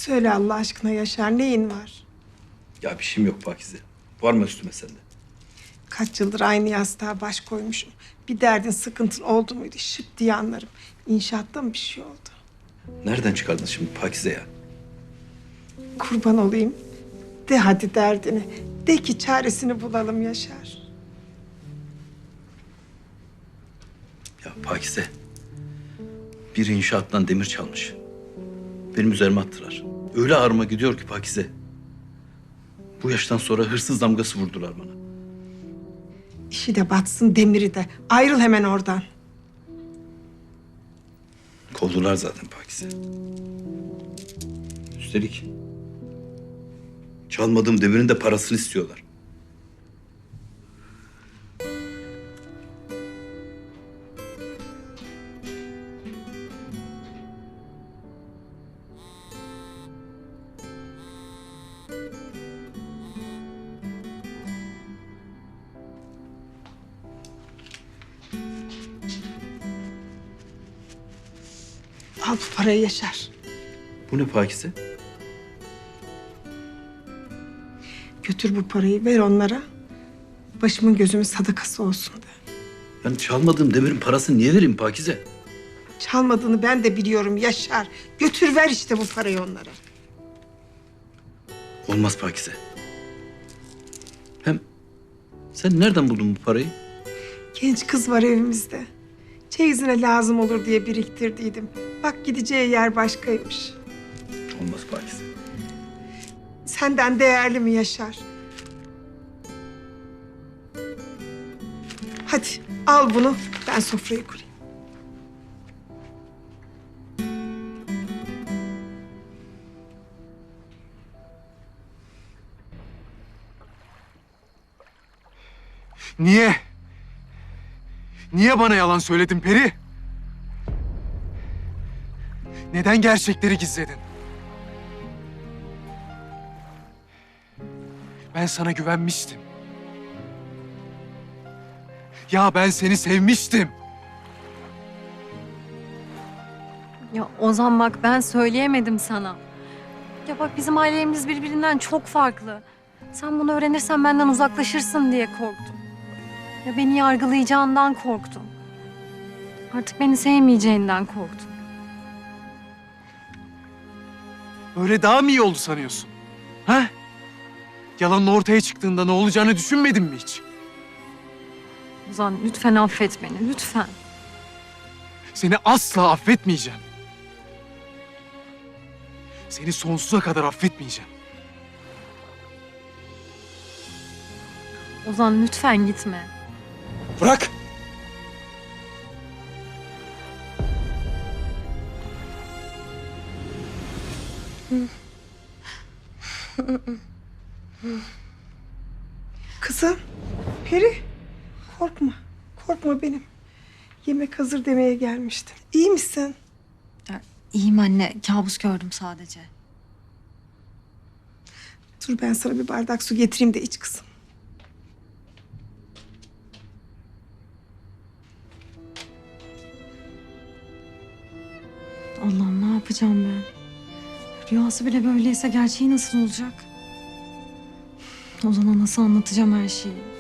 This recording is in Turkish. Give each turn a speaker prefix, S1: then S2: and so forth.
S1: Söyle Allah aşkına Yaşar, neyin var?
S2: Ya bir şeyim yok Pakize. Var mı üstüme sende?
S1: Kaç yıldır aynı yastığa baş koymuşum. Bir derdin, sıkıntın oldu muydu şıp diye anlarım. İnşaatta mı bir şey oldu?
S2: Nereden çıkardın şimdi Pakize ya?
S1: Kurban olayım. De hadi derdini. De ki çaresini bulalım Yaşar.
S2: Ya Pakize. Bir inşaattan demir çalmış. Benim üzerime attılar. Öyle ağrıma gidiyor ki Pakize. Bu yaştan sonra hırsız damgası vurdular bana.
S1: İşi de batsın, demiri de. Ayrıl hemen oradan.
S2: Kovdular zaten Pakize. Üstelik çalmadığım demirin de parasını istiyorlar.
S1: Al bu parayı Yaşar.
S2: Bu ne Pakize?
S1: Götür bu parayı, ver onlara. Başımın gözümün sadakası olsun de.
S2: Ben çalmadığım demirin parasını niye vereyim Pakize?
S1: Çalmadığını ben de biliyorum Yaşar. Götür ver işte bu parayı onlara.
S2: Olmaz Pakize. Hem sen nereden buldun bu parayı?
S1: Genç kız var evimizde. Çeyizine lazım olur diye biriktirdiydim. Bak gideceği yer başkaymış.
S2: Olmaz Pakize.
S1: Senden değerli mi Yaşar? Hadi al bunu, ben sofrayı kurayım.
S3: Niye? Niye bana yalan söyledin Peri? Neden gerçekleri gizledin? Ben sana güvenmiştim. Ya ben seni sevmiştim.
S4: Ya Ozan bak ben söyleyemedim sana. Ya bak bizim ailelerimiz birbirinden çok farklı. Sen bunu öğrenirsen benden uzaklaşırsın diye korktum. Ya beni yargılayacağından korktum. Artık beni sevmeyeceğinden korktum.
S3: Öyle daha mı iyi oldu sanıyorsun? Ha? Yalanın ortaya çıktığında ne olacağını düşünmedin mi hiç?
S4: Ozan lütfen affet beni, lütfen.
S3: Seni asla affetmeyeceğim. Seni sonsuza kadar affetmeyeceğim.
S4: Ozan lütfen gitme.
S3: Bırak!
S1: Kızım, Peri, korkma. Korkma benim. Yemek hazır demeye gelmiştim. İyi misin?
S4: Ya, iyiyim anne, kabus gördüm sadece.
S1: Dur ben sana bir bardak su getireyim de iç kızım.
S4: Allah'ım ne yapacağım ben? Rüyası bile böyleyse gerçeği nasıl olacak? Ozan'a nasıl anlatacağım her şeyi?